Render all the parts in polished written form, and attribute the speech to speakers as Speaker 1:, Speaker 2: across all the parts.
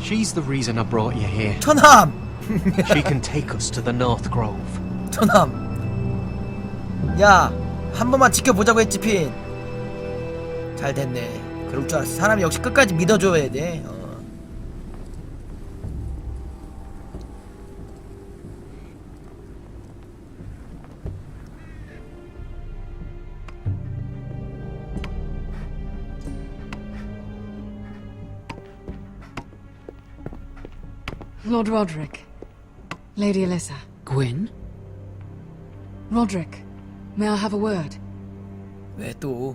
Speaker 1: She's the reason I brought you here.
Speaker 2: 처남!
Speaker 1: She can take us to the North Grove.
Speaker 2: 처남. 야, 한 번만 지켜보자고 했지, 핀. 잘 됐네. 그럴 줄 알았어. 사람이 역시 끝까지 믿어줘야 돼.
Speaker 3: Lord Roderick. Lady Alyssa.
Speaker 4: Gwyn?
Speaker 3: Roderick, may I have a word?
Speaker 2: 왜 또?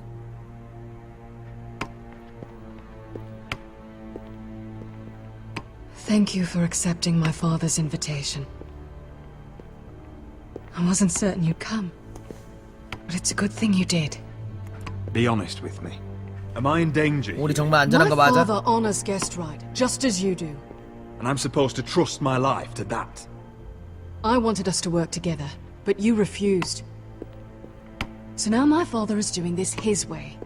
Speaker 3: Thank you for accepting my father's invitation. I wasn't certain you'd come, but it's a good thing you did.
Speaker 5: Be honest with me. Am I in danger?
Speaker 2: 우리 정말 안전한
Speaker 3: My
Speaker 2: 거 맞아?
Speaker 3: father honors guest right, just as you do.
Speaker 5: And I'm supposed to trust my life to that?
Speaker 3: I wanted us to work together, but you refused. So now my father is doing this his way.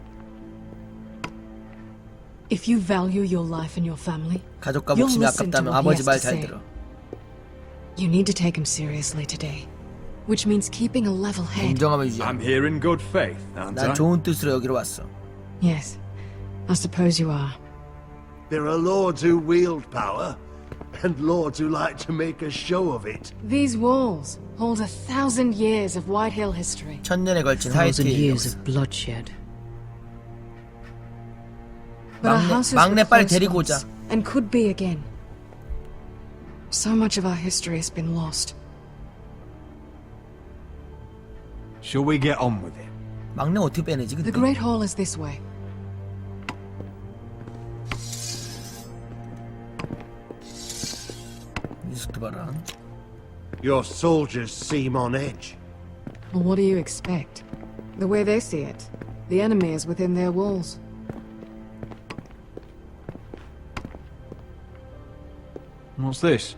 Speaker 3: If you value your life and your family,
Speaker 2: 가족과
Speaker 3: you'll
Speaker 2: 목숨이
Speaker 3: listen to
Speaker 2: 아깝다면
Speaker 3: what he
Speaker 2: 아버지
Speaker 3: has
Speaker 2: 말
Speaker 3: to
Speaker 2: 잘
Speaker 3: say.
Speaker 2: 들어.
Speaker 3: You need to take him seriously today, which means keeping a level head.
Speaker 2: 인정하면 유지.
Speaker 5: I'm here in good faith, aren't
Speaker 2: 난
Speaker 5: I?
Speaker 2: 좋은 뜻으로 여기로 왔어.
Speaker 3: Yes, I suppose you are.
Speaker 6: There are lords who wield power, and lords who like to make a show of it.
Speaker 3: These walls hold 1,000 years of Whitehill history.
Speaker 2: 천년에 걸친
Speaker 4: 1,000
Speaker 2: 하이트의
Speaker 4: years
Speaker 2: 역사.
Speaker 4: of bloodshed.
Speaker 3: But our
Speaker 2: 막내-
Speaker 3: houses
Speaker 2: 막내
Speaker 3: were
Speaker 2: 빨리
Speaker 3: close
Speaker 2: 데리고
Speaker 3: once,
Speaker 2: 오자.
Speaker 3: and could be again. So much of our history has been lost.
Speaker 5: Shall we get on with it?
Speaker 2: 막내 어떻게 빼내지
Speaker 3: The
Speaker 2: 근데?
Speaker 3: Great Hall is this way.
Speaker 2: 이 속도 봐라.
Speaker 6: Your soldiers seem on edge.
Speaker 3: Well, what do you expect? The way they see it, the enemy is within their walls.
Speaker 5: What's this?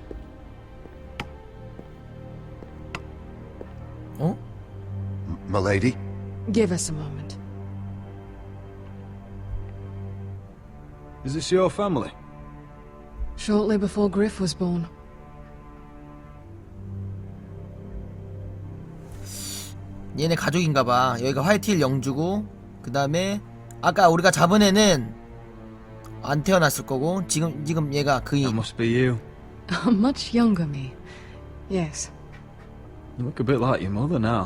Speaker 2: 어?
Speaker 6: Milady?
Speaker 3: Give us a moment.
Speaker 5: Is this your family?
Speaker 3: Shortly before Griff was born.
Speaker 2: 얘네 가족인가봐. 여기가 화이트힐 영주고, 그 다음에 아까 우리가 잡은 애는 안 태어났을 거고, 지금 얘가
Speaker 5: That
Speaker 2: 그이.
Speaker 5: must be you.
Speaker 3: Much younger me. Yes.
Speaker 5: You look a bit like your mother now.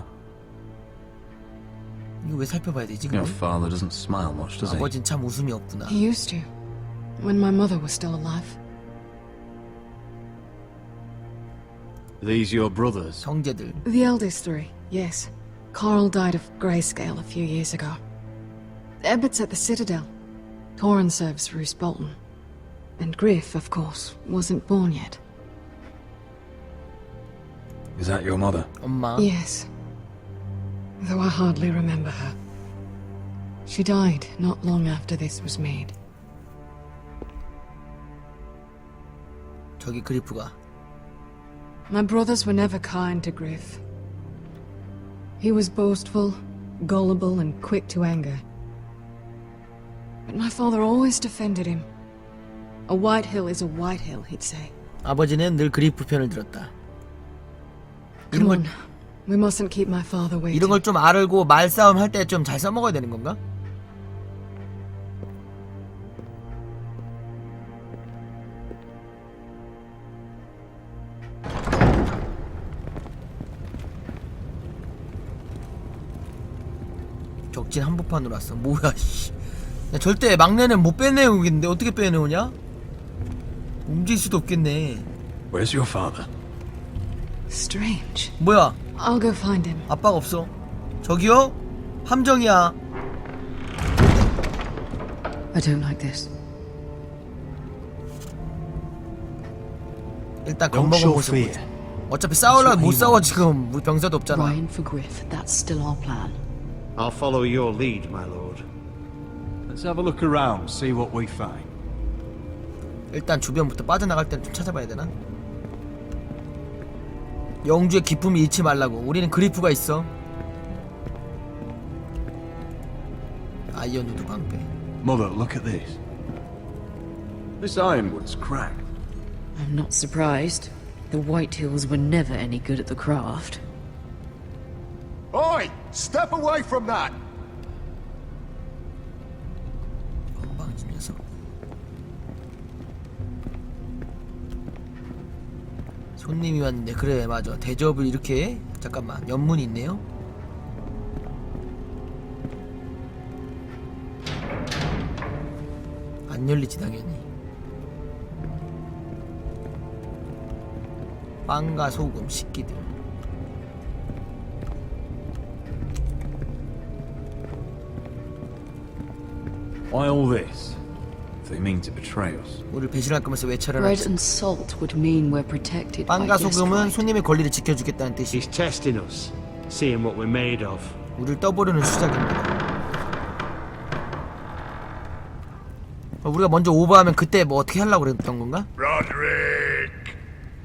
Speaker 2: 이거 왜 살펴봐야 되지?
Speaker 5: Your
Speaker 2: 그럼?
Speaker 5: father doesn't smile much, does he?
Speaker 2: 아버진 참 웃음이 없구나.
Speaker 3: He used to. When my mother was still alive.
Speaker 5: These your brothers?
Speaker 2: 형제들.
Speaker 3: The eldest three, yes. Carl died of grayscale a few years ago. Ebbett's at the Citadel. Torrin serves Roose Bolton. And Griff, of course, wasn't born yet.
Speaker 5: Is that your mother?
Speaker 2: 엄마.
Speaker 3: Yes. Though I hardly remember her. She died not long after this was made.
Speaker 2: 저기 그리프가.
Speaker 3: My brothers were never kind to Griff. He was boastful, gullible, and quick to anger. But my father always defended him. A Whitehill is a Whitehill, he'd say.
Speaker 2: 아버지는 늘 그리프 편을 들었다.
Speaker 3: Come on. We mustn't keep my father waiting.
Speaker 2: 이런 걸 좀 알고 말싸움 할 때 좀 잘 써먹어야 되는 건가? 적진 한복판으로 왔어. 뭐야 씨. 야, 절대 막내는 못 빼내오겠는데 어떻게 빼내오냐? 움직일 수도 없겠네.
Speaker 5: Where's your father?
Speaker 3: Strange.
Speaker 2: 뭐야?
Speaker 3: I'll go find him.
Speaker 2: 아빠가 없어. 저기요? 함정이야.
Speaker 4: I don't like this.
Speaker 2: 일단
Speaker 1: Don't
Speaker 2: 겁먹은
Speaker 1: show
Speaker 2: 모습
Speaker 1: fear.
Speaker 2: 보자. 어차피 싸우려면 못
Speaker 1: That's what he
Speaker 2: 싸워
Speaker 1: wants.
Speaker 2: 지금 우리 병사도 없잖아.
Speaker 4: Ryan for Griff, that's still our plan.
Speaker 6: I'll follow your lead, my lord.
Speaker 5: Let's have a look around, see what we find.
Speaker 2: 일단 주변부터 빠져나갈 때는 좀 찾아봐야 되나? 영주의 기쁨을 잃지 말라고. 우리는 그리프가 있어. 아이언 우드 방패.
Speaker 5: Mother, look at this. This ironwood's cracked.
Speaker 4: I'm not surprised. The Whitehills were never any good at the craft.
Speaker 6: Oi! Step away from that!
Speaker 2: 건방진 녀석. 손님이 왔는데 그래 맞아 대접을 이렇게 해? 잠깐만 연문이 있네요. 안 열리지 당연히. 빵과 소금 식기들.
Speaker 5: Why all this? If they mean to betray us.
Speaker 2: 우리를 배신할 거면서 왜
Speaker 4: Bread
Speaker 2: 차려놨지?
Speaker 4: and salt would mean we're protected by
Speaker 2: 빵과
Speaker 4: this
Speaker 2: 소금은
Speaker 4: right.
Speaker 2: 손님의 권리를 지켜주겠다는 뜻이.
Speaker 7: He's testing us, seeing what we're made of.
Speaker 2: 우리를 떠보려는 수작입니다. 우리가 먼저 오버하면 그때 뭐 어떻게 하려고 그랬던 건가?
Speaker 8: Roderick!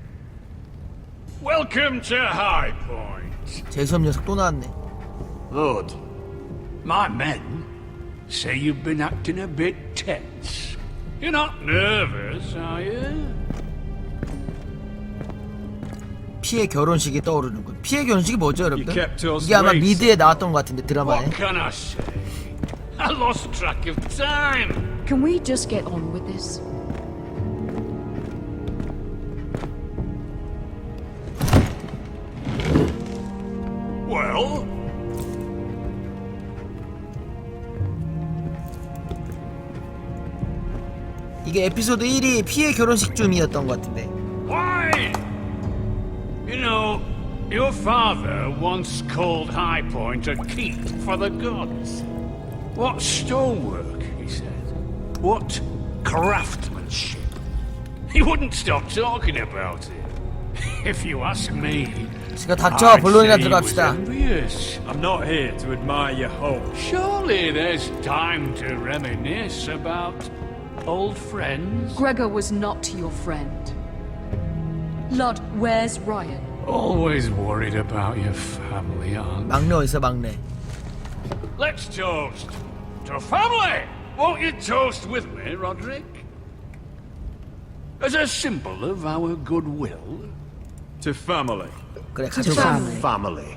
Speaker 8: Welcome to High Point.
Speaker 2: 재수없 녀석 또 나왔네.
Speaker 8: Lord, my men say you've been acting a bit tense. You're not nervous, are you?
Speaker 2: 피해 결혼식이 떠오르는군. 피해 결혼식이 뭐죠, 여러분들?
Speaker 5: kept us
Speaker 2: 이게 아마
Speaker 5: waiting.
Speaker 2: 미드에 나왔던 것 같은데 드라마에.
Speaker 8: What can I say? I lost track of time.
Speaker 4: Can we just get on with this?
Speaker 8: Well,
Speaker 2: 이게 에피소드 1이 피해 결혼식쯤이었던 것 같은데.
Speaker 8: why? You know, your father once called High Point a keep for the gods. What stonework, he said. What craftsmanship. He wouldn't stop talking about it. If you ask me,
Speaker 2: 제가 닥쳐 본론이나 들어갑시다.
Speaker 8: envious.
Speaker 5: I'm not here to admire your home.
Speaker 8: Surely there's time to reminisce about old friends.
Speaker 4: Gregor was not your friend. Lud, where's Ryan?
Speaker 8: Always worried about your family, aren't you?
Speaker 2: 막내 어디서 막내?
Speaker 8: Let's toast to family! Won't you toast with me, Roderick? As a symbol of our goodwill.
Speaker 5: To family.
Speaker 2: 그래 가족.
Speaker 4: family.
Speaker 6: Family.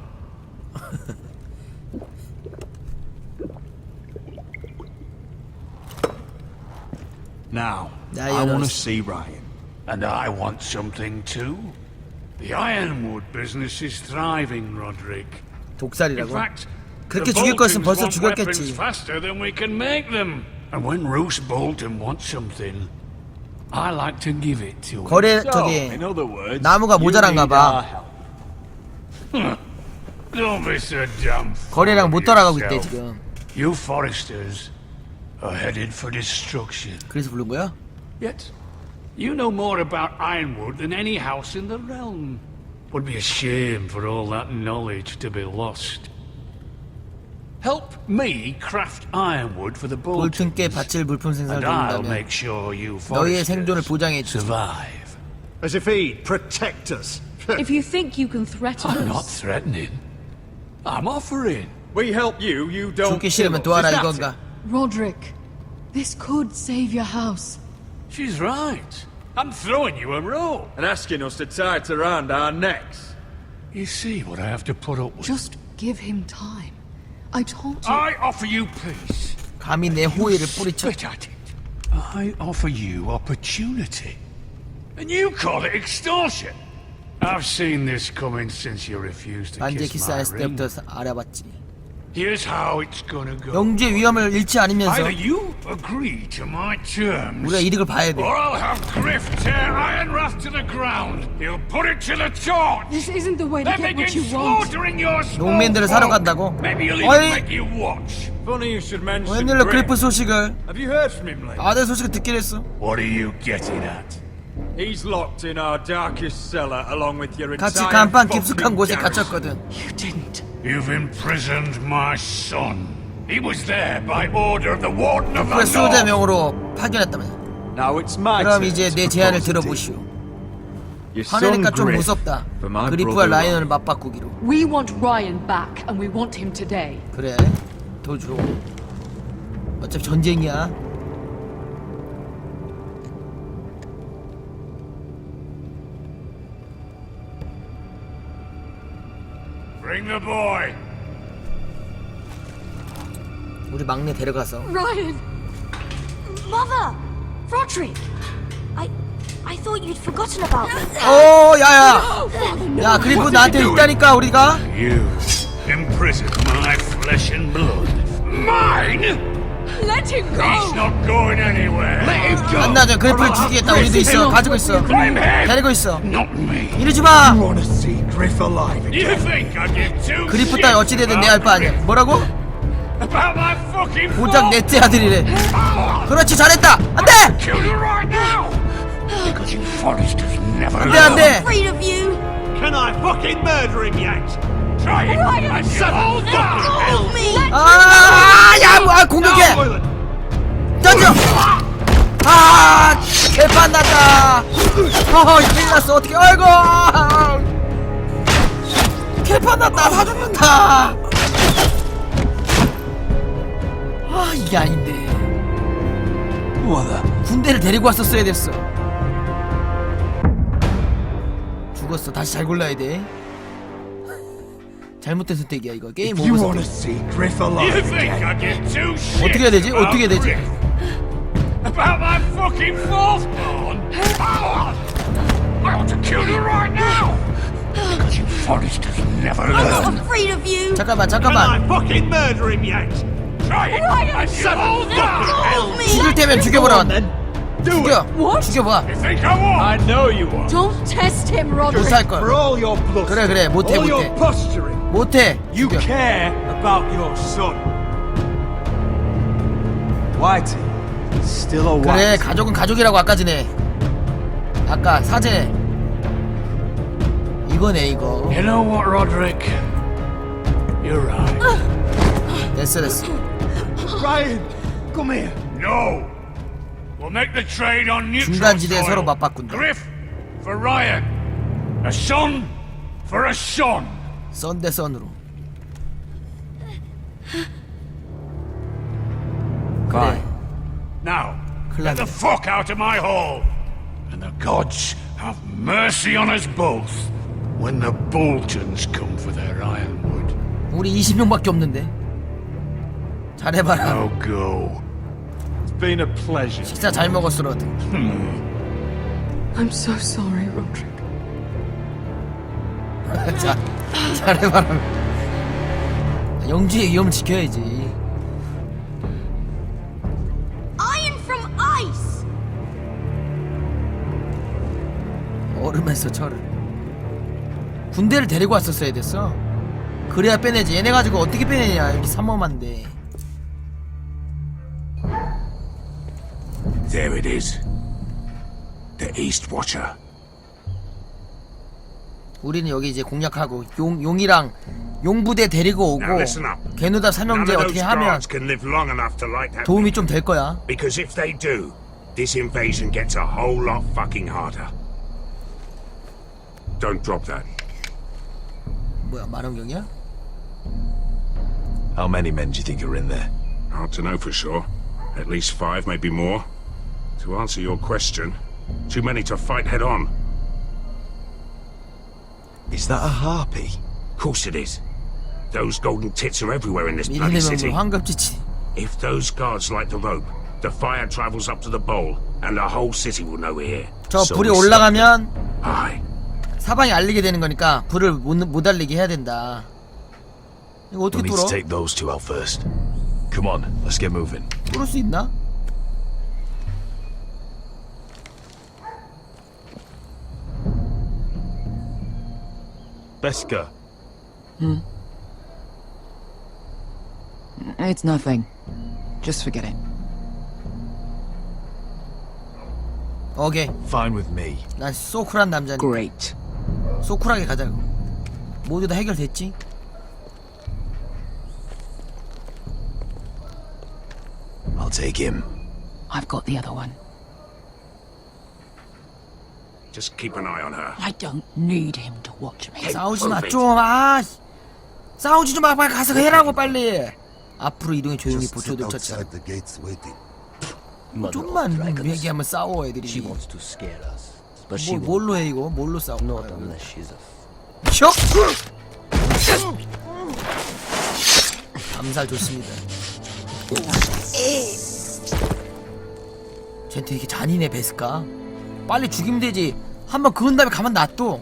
Speaker 5: Now,
Speaker 2: Yeah,
Speaker 5: I
Speaker 2: you
Speaker 5: want
Speaker 2: know.
Speaker 5: to see Ryan.
Speaker 8: And I want something too. The ironwood business is thriving, Roderick. In
Speaker 2: 독살이라고.
Speaker 8: fact,
Speaker 2: 그렇게
Speaker 8: the
Speaker 2: 죽일 거였으면
Speaker 8: Boltons
Speaker 2: 벌써
Speaker 8: want weapons
Speaker 2: 죽였겠지.
Speaker 8: faster than we can make them. And when Roose Bolton wants something, I like to give it to him.
Speaker 2: 거래
Speaker 5: So,
Speaker 2: 저기
Speaker 5: in other words,
Speaker 2: 나무가
Speaker 5: you
Speaker 2: 모자란가
Speaker 5: need our
Speaker 2: 봐.
Speaker 5: help.
Speaker 8: Don't be so damn
Speaker 2: 거래량 못
Speaker 8: full of
Speaker 2: 따라가고 있대
Speaker 8: yourself.
Speaker 2: 지금.
Speaker 8: You foresters are headed for destruction.
Speaker 2: 그래서 부른 거야?
Speaker 8: Yet, you know more about ironwood than any house in the realm. Would be a shame for all that knowledge to be lost. Help me craft ironwood for the Boltons,
Speaker 2: 볼튼께 바칠 물품 생산을
Speaker 8: and I'll
Speaker 2: 돕는다면
Speaker 8: make sure you
Speaker 2: 너희의 생존을
Speaker 8: foresters
Speaker 2: 보장해 주지.
Speaker 8: survive.
Speaker 6: As if he'd protect us.
Speaker 4: If you think you can threaten
Speaker 8: I'm not
Speaker 4: us,
Speaker 8: threatening. I'm offering.
Speaker 5: We help you, you don't
Speaker 2: 죽기
Speaker 5: kill
Speaker 2: 싫으면
Speaker 5: us.
Speaker 2: 도와라
Speaker 5: Is that
Speaker 2: 이건가?
Speaker 3: Roderick, this could save your house.
Speaker 8: She's right. I'm throwing you a rope.
Speaker 5: it? And asking us to tie it around our necks.
Speaker 8: You see what I have to put up with.
Speaker 3: Just give him time. I told you.
Speaker 8: I offer you peace.
Speaker 2: 감히 내 호의를 뿌리쳐.
Speaker 8: Spit at it. I offer you opportunity. And you call it extortion. I've seen this coming since you refused to
Speaker 2: 반제
Speaker 8: kiss
Speaker 2: 키스
Speaker 8: my
Speaker 2: 안 했을
Speaker 8: ring.
Speaker 2: 때부터 알아봤지.
Speaker 8: Here's how it's gonna go.
Speaker 2: 영주의 위험을 잃지 않으면서
Speaker 8: Either you agree to my terms,
Speaker 2: 우리가 이득을 봐야 돼.
Speaker 8: or I'll have Griff tear Ironrath to the ground. He'll put it to the torch.
Speaker 3: This isn't the way to
Speaker 8: Then
Speaker 3: get what
Speaker 8: begin
Speaker 3: you want.
Speaker 8: slaughtering your small
Speaker 2: 농민들을 사러
Speaker 8: folk.
Speaker 2: 간다고?
Speaker 8: Maybe he'll
Speaker 2: 어이!
Speaker 8: even make you watch.
Speaker 5: Funny you should mention
Speaker 2: 웬일로
Speaker 5: Griff.
Speaker 2: 그리프 소식을
Speaker 5: Have you heard from him lately?
Speaker 2: 아들 소식을 듣긴 했어.
Speaker 8: What are you getting at?
Speaker 5: He's locked in our darkest cellar along with your
Speaker 2: 같이
Speaker 5: entire
Speaker 2: 간판
Speaker 5: fucking
Speaker 2: 깊숙한 곳에
Speaker 5: garrison.
Speaker 2: 갇혔거든.
Speaker 4: you didn't.
Speaker 8: You've imprisoned my son. He was there by order of the Warden of
Speaker 2: 그래
Speaker 8: the
Speaker 2: 수호자
Speaker 8: North.
Speaker 2: 명으로 파견했다며.
Speaker 5: Now it's my
Speaker 2: 그럼
Speaker 5: turn
Speaker 2: 이제
Speaker 5: to
Speaker 2: 내 제안을
Speaker 5: propose a deal.
Speaker 2: 들어보시오.
Speaker 5: Your son
Speaker 2: 화내니까 좀
Speaker 5: Griff
Speaker 2: 무섭다.
Speaker 5: for my
Speaker 2: 그리프와
Speaker 5: brother
Speaker 2: 라이언을
Speaker 5: Ryan.
Speaker 2: 맞바꾸기로.
Speaker 4: We want Ryan back, and we want him today.
Speaker 2: 그래 더 줘. 어차피 전쟁이야.
Speaker 8: Bring the boy.
Speaker 2: 우리 막내 데려가서.
Speaker 3: Ryan!
Speaker 9: Mother! Roderick! I thought you'd forgotten about me.
Speaker 2: 야야. 야 그리프 나한테 있다니까 우리가.
Speaker 8: You imprison my flesh and blood. Mine?
Speaker 3: Let him
Speaker 8: He's not going anywhere. Let him go.
Speaker 2: 안나죠 그리프를 죽이겠다. 우리도 있어. 가지고 있어.
Speaker 8: I'm him.
Speaker 2: 데리고 있어.
Speaker 8: Not me.
Speaker 2: 이러지 마.
Speaker 6: Want to see Griff alive again?
Speaker 8: You think I give two
Speaker 2: 그리프 따위 어찌되든 내 할 바 아니야. 뭐라고?
Speaker 8: about my fucking
Speaker 2: 고작
Speaker 8: fault?
Speaker 2: 넷째 아들이래. 그렇지 잘했다. 안돼.
Speaker 8: Kill you right now. Because you foresters never
Speaker 2: 안돼
Speaker 8: learn.
Speaker 2: 안돼.
Speaker 9: Afraid of you.
Speaker 7: Can I fucking murder him yet?
Speaker 8: Try it. And you whole fucking hell.
Speaker 9: Help me.
Speaker 2: 아야 공격해. 던져. 아 개판 났다. 큰일 났어. 어떻게 아이고. 개판 났다. 다 죽는다. 아 이게 아닌데. 군대를 데리고 왔었어야 됐어. 죽었어. 다시 잘 골라야 돼. 잘못된 선택이야 이거. 게임
Speaker 6: You
Speaker 2: 오버
Speaker 6: want to
Speaker 2: 선택.
Speaker 6: see Griff
Speaker 8: You
Speaker 6: alive
Speaker 8: think
Speaker 6: again?
Speaker 8: I give two shits
Speaker 2: 어떻게 해야 되지?
Speaker 8: about
Speaker 2: 어떻게 해야 되지?
Speaker 8: Griff? About my fucking firstborn? I ought to kill you right now. Because you foresters never
Speaker 9: I'm
Speaker 8: learn.
Speaker 9: not afraid of you.
Speaker 2: 잠깐만
Speaker 7: Can
Speaker 2: 잠깐만.
Speaker 7: I fucking murder him yet?
Speaker 8: Try it. And you whole fucking hell.
Speaker 9: Help me.
Speaker 2: 죽일 테면 죽여보라. 죽여.
Speaker 3: What?
Speaker 2: 죽여봐.
Speaker 8: You think I won't?
Speaker 7: know you are.
Speaker 3: Don't test him, Roderick!
Speaker 2: 못할
Speaker 6: For
Speaker 2: 걸.
Speaker 6: all your bluster,
Speaker 2: 그래 못해
Speaker 6: all your
Speaker 2: 못해.
Speaker 6: posturing,
Speaker 2: 못해.
Speaker 7: You
Speaker 2: 죽여.
Speaker 7: care about your son. Whitey, still a
Speaker 2: 그래
Speaker 7: white.
Speaker 2: 가족은 가족이라고 아까 전에. 아까 사제. 이거네 이거.
Speaker 8: You know what, Roderick? You're right.
Speaker 2: 됐어 됐어.
Speaker 6: Ryan, come here.
Speaker 8: No. We'll make the trade on neutral
Speaker 2: 중간지대에
Speaker 8: soil.
Speaker 2: 서로 맞바꾼다.
Speaker 8: Griff for Ryan. A son for a son.
Speaker 2: 선 대 선으로. 그래.
Speaker 8: Now,
Speaker 2: 큰일
Speaker 8: get the
Speaker 2: 났네.
Speaker 8: fuck out of my hall. And the gods have mercy on us both when the Boltons come for their ironwood.
Speaker 2: 우리 20명밖에 없는데. 잘해봐라.
Speaker 8: Now go.
Speaker 7: It's been a pleasure.
Speaker 2: 식사 잘 먹었어 로드.
Speaker 3: I'm so sorry, Roderick.
Speaker 2: 자 잘해봐라. 영주의 위험을 지켜야지.
Speaker 9: Iron from ice.
Speaker 2: 얼음에서 철을. 군대를 데리고 왔었어야 됐어. 그래야 빼내지. 얘네 가지고 어떻게 빼내냐. 여기 삼엄한데.
Speaker 8: There it is. The East Watcher.
Speaker 2: 우리는 여기 이제 공략하고 용이랑 용부대 데리고 오고
Speaker 8: Now listen up.
Speaker 2: 개누다
Speaker 8: None
Speaker 2: 삼형제
Speaker 8: of
Speaker 2: 어떻게
Speaker 8: those
Speaker 2: 하면
Speaker 8: guards can live long enough to light that
Speaker 2: 도움이 좀 될 거야.
Speaker 8: Because if they do, this invasion gets a whole lot fucking harder. Don't drop that.
Speaker 2: 뭐야 만원경이야?
Speaker 10: How many men do you think are in there?
Speaker 8: Hard to know for sure. At least 5, maybe more. To answer your question, too many to fight head on.
Speaker 10: Is that a harpy?
Speaker 8: Of course it is. Those golden tits are everywhere in this bloody
Speaker 2: 미리내면
Speaker 8: city.
Speaker 2: 뭐 황급지치.
Speaker 8: If those guards light the rope, the fire travels up to the bowl, and the whole city will know we're here.
Speaker 2: 저
Speaker 10: So
Speaker 2: 불이
Speaker 10: we
Speaker 2: 올라가면
Speaker 8: Aye.
Speaker 2: 사방에 알리게 되는 거니까 불을 못 알리게 해야 된다. 이거
Speaker 10: We'll
Speaker 2: 어떻게
Speaker 10: need to
Speaker 2: 뚫어?
Speaker 10: take those two out first. Come on, let's get moving.
Speaker 2: 뚫을 수 있나?
Speaker 10: Beska,
Speaker 11: It's nothing. Just forget it.
Speaker 2: 오케이.
Speaker 10: fine with me.
Speaker 2: 난 소쿨한 남자니까.
Speaker 11: Great.
Speaker 2: 소쿨하게 가자고. 모두 다 해결됐지?
Speaker 10: I'll take him.
Speaker 11: I've got the other one.
Speaker 8: Just keep an eye on her.
Speaker 11: I don't need him to watch me.
Speaker 2: 싸우지 마 좀. 아, 싸우지 좀 마. 빨리 가서 해라고 빨리. 앞으로 이동해 조용히 보초들 쳤자.
Speaker 6: the gates waiting.
Speaker 2: 좀만 얘기하면 싸워 애들이.
Speaker 1: to scare us, but
Speaker 2: 뭘로 해 이거? 뭘로 싸워?
Speaker 1: not unless she's a
Speaker 2: 슉! 암살 좋습니다. 쟤한테 이렇게 잔인해 베스까? 빨리 죽이면 되지. 한번 그은 다음에 가만 놔둬.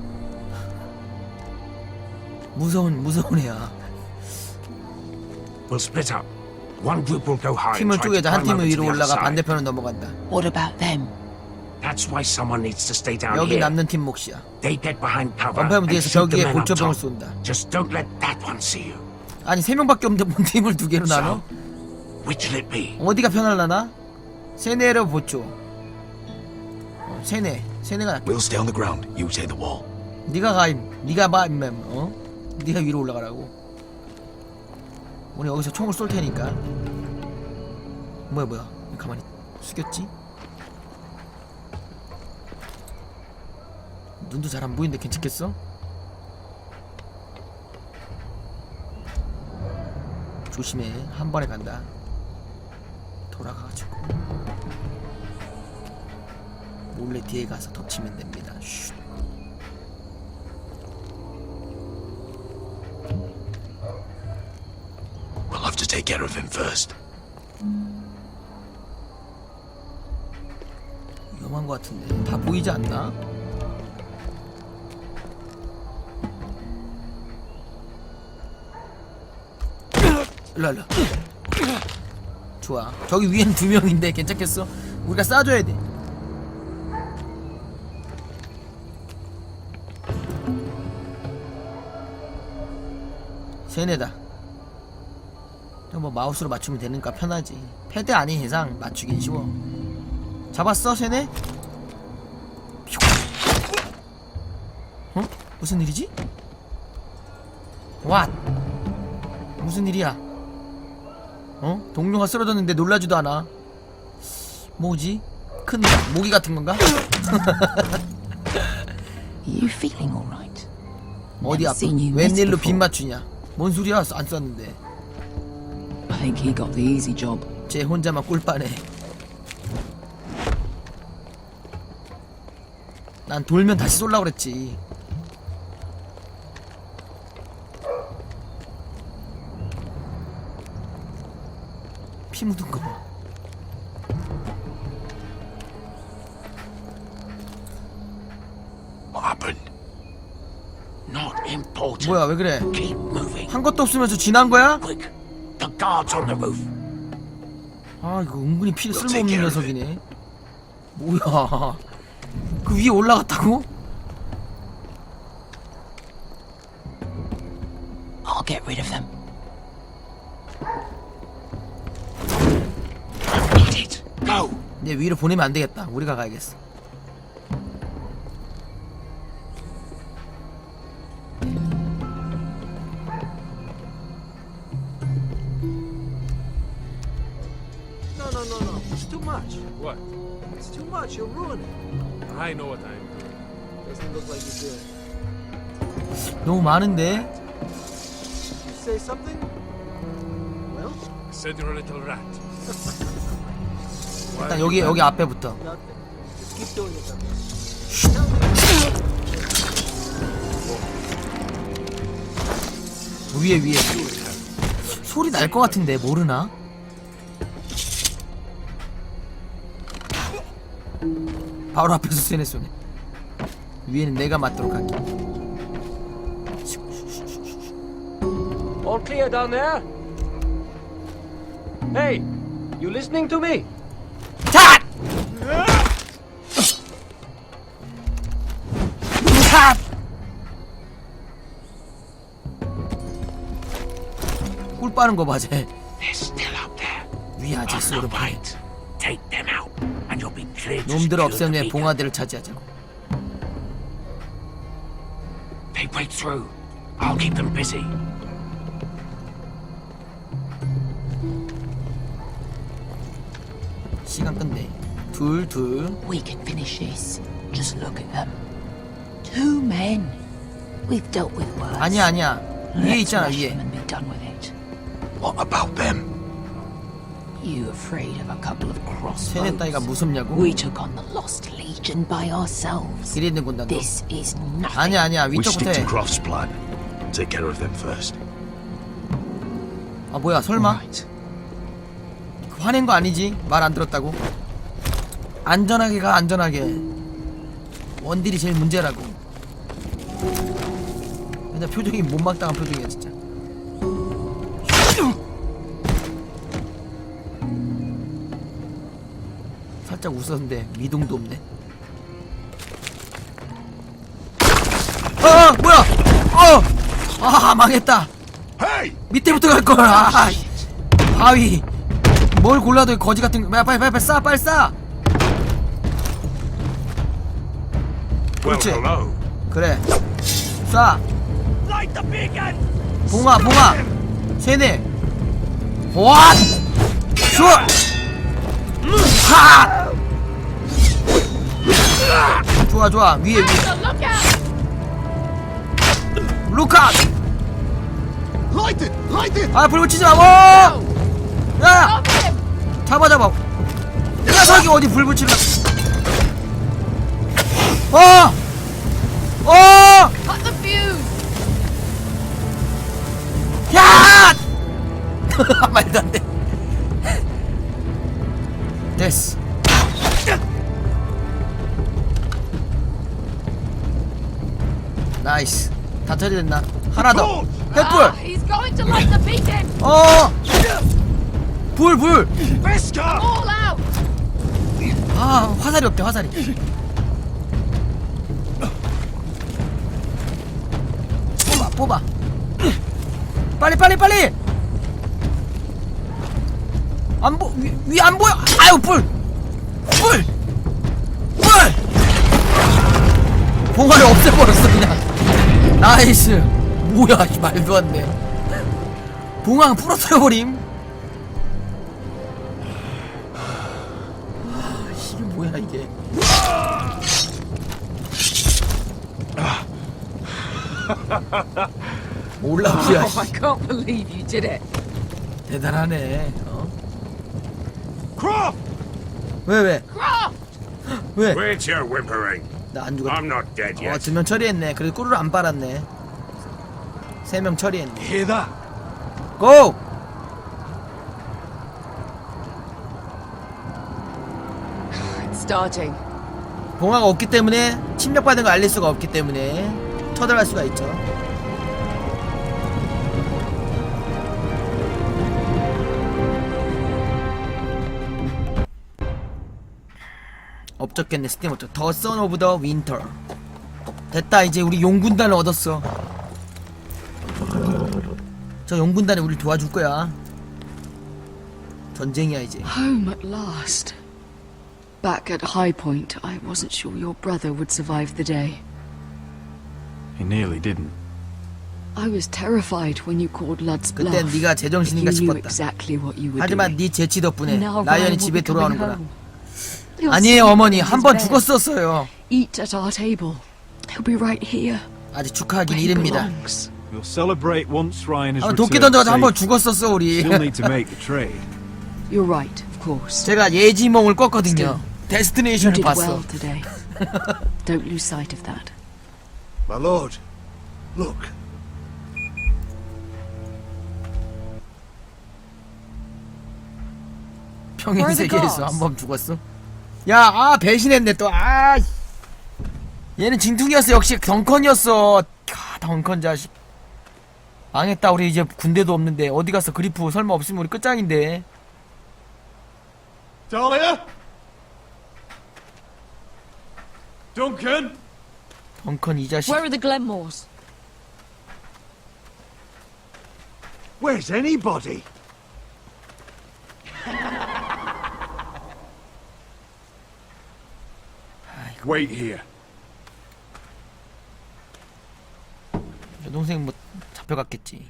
Speaker 2: 무서운 애야.
Speaker 8: We'll split up. One group will go high.
Speaker 2: 팀을 쪼개자. 한 팀은 위로 올라가
Speaker 8: 반대.
Speaker 2: 반대편으로 넘어간다.
Speaker 11: What about them?
Speaker 8: That's why someone needs to stay down
Speaker 2: 여기
Speaker 8: here.
Speaker 2: 남는 팀 몫이야.
Speaker 8: They get behind cover.
Speaker 2: 원파이브
Speaker 8: and
Speaker 2: 뒤에서
Speaker 8: shoot the
Speaker 2: 벽에
Speaker 8: men up
Speaker 2: 골초병을
Speaker 8: top.
Speaker 2: 쏜다.
Speaker 8: Just don't let that one see you.
Speaker 2: 아니 3명밖에 없는데 뭔 팀을 2개로 나눠?
Speaker 8: So, which'll it be?
Speaker 2: 어디가 편할라나? 세네로 보초. 세네가 낫겠다.
Speaker 10: We'll stay on the ground. You take the wall.
Speaker 2: 네가 가, 네가 봐, 임맴. 네가 위로 올라가라고. 우리 여기서 총을 쏠 테니까. 뭐야? 가만히 숙였지? 눈도 잘 안 보이는데 괜찮겠어? 조심해. 한 번에 간다. 돌아가가지고 몰래 뒤에 가서 덮치면 됩니다. 쉿.
Speaker 10: We'll have to take care of him first.
Speaker 2: 위험한 것 같은데 다 보이지 않나? 일로 좋아. 저기 위에는 2명인데 괜찮겠어? 우리가 쏴줘야 돼. 세네다. 뭐 마우스로 맞추면 되니까 편하지. 패드 아닌 이상 맞추긴 쉬워. 잡았어 세네? 무슨 일이지? What? 무슨 일이야? 동료가 쓰러졌는데 놀라지도 않아. 뭐지? 큰 모기 같은 건가?
Speaker 11: You feeling all right?
Speaker 2: 어디 아파?
Speaker 11: seen you
Speaker 2: 웬일로
Speaker 11: miss
Speaker 2: 빗
Speaker 11: before.
Speaker 2: 맞추냐? 뭔 소리야? 안 썼는데.
Speaker 11: I think he got the easy job.
Speaker 2: 쟤 혼자만 꿀빠네. 난 돌면 다시 쏠라 그랬지. 피 묻은 거 봐.
Speaker 10: What happened?
Speaker 8: Not important.
Speaker 2: 뭐야 왜 그래?
Speaker 8: Keep moving.
Speaker 2: 한 것도 없으면서 지난 거야?
Speaker 8: Quick. The guards on the roof.
Speaker 2: 아 이거 은근히 피 쓸모없는 녀석이네. 뭐야? 그 위에 올라갔다고?
Speaker 11: I'll get rid of them.
Speaker 8: Need it. Go.
Speaker 2: 이제 위로 보내면 안 되겠다. 우리가 가야겠어.
Speaker 7: No. It's too much. What? It's too much. You'll ruin it. I know what I'm doing. Doesn't look like you do.
Speaker 2: 너무 많은데?
Speaker 7: You say something? Well? I said you're a little rat.
Speaker 2: 일단 여기 앞에부터.
Speaker 7: Nothing. Just keep doing it.
Speaker 2: 위에. 소리 날 것 같은데 모르나? 바로 앞에서 쇠네 쏘네. 위에는 내가 맞도록 할게.
Speaker 1: All clear down there? Hey, you listening to me?
Speaker 2: 탑! 탑! 꿀 빠는 거 봐, 쟤.
Speaker 8: They're still up there.
Speaker 2: 위에 아직
Speaker 8: On the
Speaker 2: 쏘는 봐.
Speaker 8: right. Take them out, and you'll be clear to
Speaker 2: 놈들을
Speaker 8: secure
Speaker 2: 없애면
Speaker 8: the
Speaker 2: 내
Speaker 8: beacon.
Speaker 2: 봉화대를 차지하자고.
Speaker 8: They break through. I'll keep them busy.
Speaker 2: 시간 끝내. 둘.
Speaker 11: We can finish this. Just look at them. 2 men. We've dealt with worse.
Speaker 2: 아니야. 위에
Speaker 11: Let's
Speaker 2: 있잖아,
Speaker 11: rush
Speaker 2: 위에.
Speaker 11: them and be done with it.
Speaker 10: What about them?
Speaker 11: You afraid of a couple of
Speaker 2: 세네 따위가
Speaker 11: crossbows?
Speaker 2: 무섭냐고?
Speaker 11: We took on the Lost Legion by ourselves.
Speaker 2: 기리는 군단도.
Speaker 11: This is nothing.
Speaker 2: 아니야.
Speaker 10: We stick
Speaker 2: 위쪽부터
Speaker 10: to
Speaker 2: 해.
Speaker 10: Croft's plan. Take care of them first.
Speaker 2: 아 뭐야 설마?
Speaker 10: Right.
Speaker 2: 화낸 거 아니지? 말 안 들었다고? 안전하게 가 안전하게. 원딜이 제일 문제라고. 근데 표정이 못막당한 표정이야 진짜. 살짝 웃었는데 미동도 없네. 뭐야? 아 망했다.
Speaker 10: Hey!
Speaker 2: 밑에부터 갈걸. 바위. 뭘 골라도 거지 같은 거. 야 빨리 쏴 빨리 쏴.
Speaker 10: Well,
Speaker 2: 그렇지.
Speaker 10: hello.
Speaker 2: 그래 쏴. 봉아 세네. 와 슛. 하. 좋아 위에 루카.
Speaker 6: Light it!
Speaker 2: 아 불 붙이지 마. 야 잡아 녀석이 어디 불 붙이려.
Speaker 11: Cut the fuse!
Speaker 2: 야! 말도 안 돼. 됐어. 나이스. 다 처리됐나? 하나 더. 횃불.
Speaker 11: He's going to light the beacon!
Speaker 2: 불.
Speaker 11: All out!
Speaker 2: 아 화살이 없대 화살이. 뽑아. 빨리. 위 안 보여. 아유 불. 봉화를 없애버렸어 그냥. 나이스. 뭐야 말도 안 돼. 봉황 부러뜨려버림. 이게 뭐야 이게. 올라오야.
Speaker 11: I can't believe you did it.
Speaker 2: 대단하네.
Speaker 10: Croft!
Speaker 2: 왜? 왜?
Speaker 10: Quit your whimpering.
Speaker 2: 나 안 죽었.
Speaker 10: I'm not dead yet.
Speaker 2: 2명 처리했네. 그래도 꿀을 안 빨았네. 3명 처리했네.
Speaker 5: Hear that?
Speaker 2: 고!
Speaker 11: It's starting.
Speaker 2: 봉화가 없기 때문에 침략받은 거 알릴 수가 없기 때문에 처단할 수가 있죠. 업적겠네. 스팀 업적. 더 선 오브 더 윈터. 됐다. 이제 우리 용군단을 얻었어. 저 용군단이 우리 도와줄 거야. 전쟁이야 이제.
Speaker 3: Home at last. Back at High Point, I wasn't sure your brother would survive the day.
Speaker 5: He nearly didn't.
Speaker 3: I was terrified when you called Lud's bluff.
Speaker 2: 그땐 네가 제정신인가
Speaker 3: You knew
Speaker 2: 싶었다.
Speaker 3: exactly what you were
Speaker 2: 하지만
Speaker 3: doing.
Speaker 2: 네 재치 덕분에
Speaker 3: Now
Speaker 2: 라이언이
Speaker 3: Ryan will
Speaker 2: 집에
Speaker 3: be coming
Speaker 2: 돌아오는 거야.
Speaker 3: home. He'll
Speaker 2: 아니에요
Speaker 3: sleep
Speaker 2: 어머니.
Speaker 3: in
Speaker 2: 한
Speaker 3: his
Speaker 2: 번
Speaker 3: bed.
Speaker 2: 죽었었어요.
Speaker 3: Eat at our table. He'll be right here.
Speaker 2: 아직 축하하긴
Speaker 3: Where he
Speaker 2: 이릅니다.
Speaker 3: belongs.
Speaker 5: We'll celebrate once Ryan has
Speaker 2: 아, 도끼
Speaker 5: returned
Speaker 2: 던져가지고 한 번
Speaker 5: safe.
Speaker 2: 죽었었어 우리.
Speaker 5: Still need to make the trade.
Speaker 3: You're right, of course.
Speaker 2: 제가 예지몽을 꿨거든요.
Speaker 3: You
Speaker 2: 데스티네이션을
Speaker 3: did
Speaker 2: 봤어.
Speaker 3: well today. Don't lose sight of that.
Speaker 6: My lord, look.
Speaker 2: 평행
Speaker 3: Where are the
Speaker 2: 세계에서
Speaker 3: gods?
Speaker 2: 한 번 죽었어. 야, 배신했네 또. 얘는 진퉁이었어. 역시 덩컨이었어. 덩컨 자식. 망했다. 우리 이제 군대도 없는데 어디 갔어? 그리프 설마 없으면 우리 끝장인데.
Speaker 5: Dahlia? Duncan?
Speaker 2: 덩컨 이 자식.
Speaker 11: Where are the Glenmores?
Speaker 6: Where's anybody?
Speaker 5: Wait here.
Speaker 2: 여동생 뭐 잡혀갔겠지.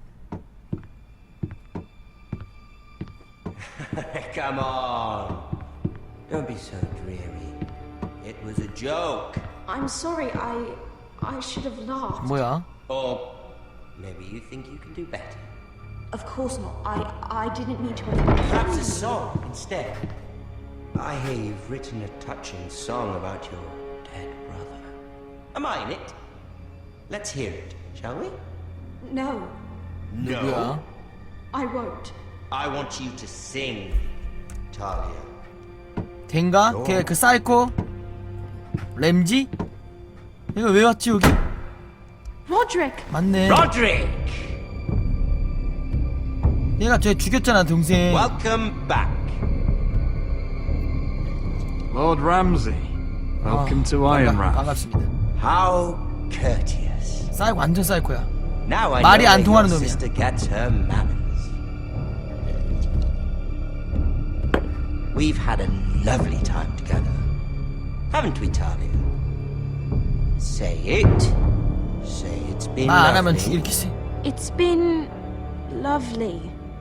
Speaker 12: Come on. Don't be so dreary. It was a joke.
Speaker 9: I'm sorry, I should have laughed.
Speaker 2: 뭐야?
Speaker 12: Or maybe you think you can do better.
Speaker 9: Of course not. I didn't mean to.
Speaker 12: Perhaps a song instead. I hear you've written a touching song about your dead brother. Am I in it? Let's hear it, shall we?
Speaker 9: No,
Speaker 2: 누구야?
Speaker 9: I won't.
Speaker 12: I want you to sing, Talia.
Speaker 2: 걘가? 걔 그 사이코? 램지? 얘가 왜 왔지 여기?
Speaker 9: Roderick!
Speaker 2: 맞네.
Speaker 12: Roderick!
Speaker 2: 얘가 쟤 죽였잖아 동생.
Speaker 12: Welcome back.
Speaker 5: Lord Ramsay. Welcome to Ironrath.
Speaker 2: 반갑습니다.
Speaker 12: How courteous.
Speaker 2: 사이코 완전 사이코야.
Speaker 12: Now I
Speaker 2: 말이
Speaker 12: know
Speaker 2: 안
Speaker 12: where
Speaker 2: 통하는
Speaker 12: your
Speaker 2: 놈이야.
Speaker 12: sister gets her manners. We've had a lovely time together, haven't we, Talia? Say it. Say it's been
Speaker 2: 말 안 하면
Speaker 12: lovely.
Speaker 2: 죽일 기세.
Speaker 9: It's been lovely.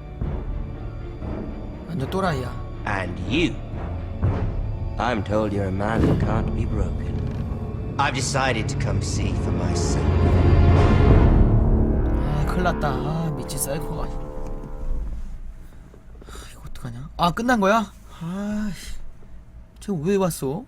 Speaker 2: 완전 또라이야.
Speaker 12: And you. I'm told you're a man who can't be broken. I've decided to come see for myself.
Speaker 2: 아 큰일났다. 아 미친 사이코가. 아, 이거 어떡하냐? 아 끝난 거야? 아씨, 쟤 왜 왔어?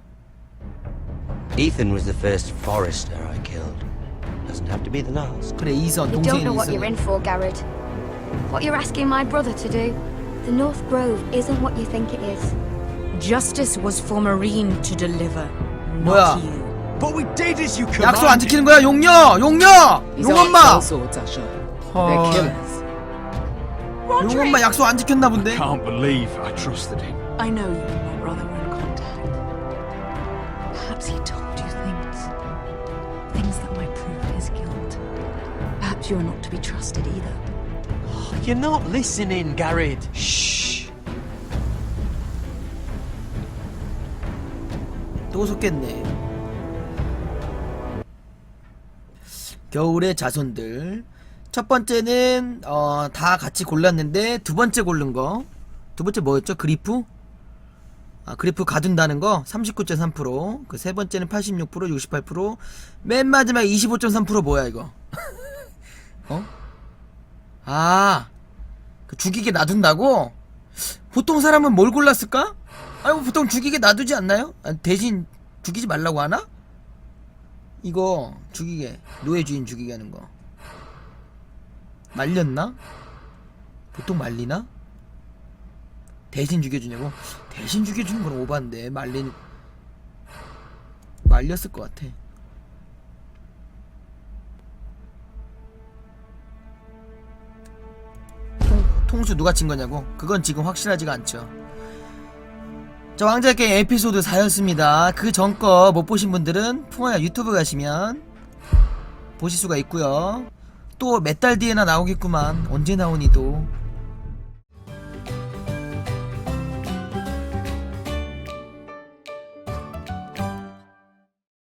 Speaker 12: Ethan was the first forester I killed. Doesn't have to be the last.
Speaker 2: 그래 이선
Speaker 13: You don't
Speaker 2: 동생이
Speaker 13: know what you're
Speaker 2: 이선.
Speaker 13: in for, Garrett. What you're asking my brother to do. The North Grove isn't what you think it is.
Speaker 11: Justice was for Marine to deliver,
Speaker 2: 뭐야?
Speaker 11: not you.
Speaker 10: But we did as you
Speaker 2: 약속 안
Speaker 10: commanded.
Speaker 2: 지키는 거야 용녀! 용녀!
Speaker 3: These aren't
Speaker 2: 용엄마!
Speaker 3: swords, Usher.
Speaker 2: 헐.
Speaker 3: They're killers.
Speaker 2: 용엄마 약속 안 지켰나 본데?
Speaker 5: Can't believe I trusted him.
Speaker 3: I know you and my brother were in contact. Perhaps he told you things that might prove his guilt. Perhaps you are not to be trusted either.
Speaker 12: You're not listening, Garrett.
Speaker 2: Shh. 또 속겠네. 겨울의 자손들. 첫 번째는 다 같이 골랐는데 두 번째 고른 거. 두 번째 뭐였죠? 그리프? 아, 그리프 가둔다는 거 39.3%. 그 세 번째는 86%, 68%. 맨 마지막 25.3% 뭐야 이거? 어? 아, 그 죽이게 놔둔다고? 보통 사람은 뭘 골랐을까? 아니 뭐 보통 죽이게 놔두지 않나요? 아, 대신 죽이지 말라고 하나? 이거 죽이게, 노예 주인 죽이게 하는 거 말렸나? 보통 말리나? 대신 죽여주냐고? 대신 죽여주는 건 오반데 말렸을 것 같아. 통수 누가 친 거냐고? 그건 지금 확실하지가 않죠. 자, 왕좌의 게임 에피소드 4였습니다. 그 전 거 못 보신 분들은 풍화야 유튜브 가시면 보실 수가 있고요. 또 몇 달 뒤에나 나오겠구만. 언제 나오니 또.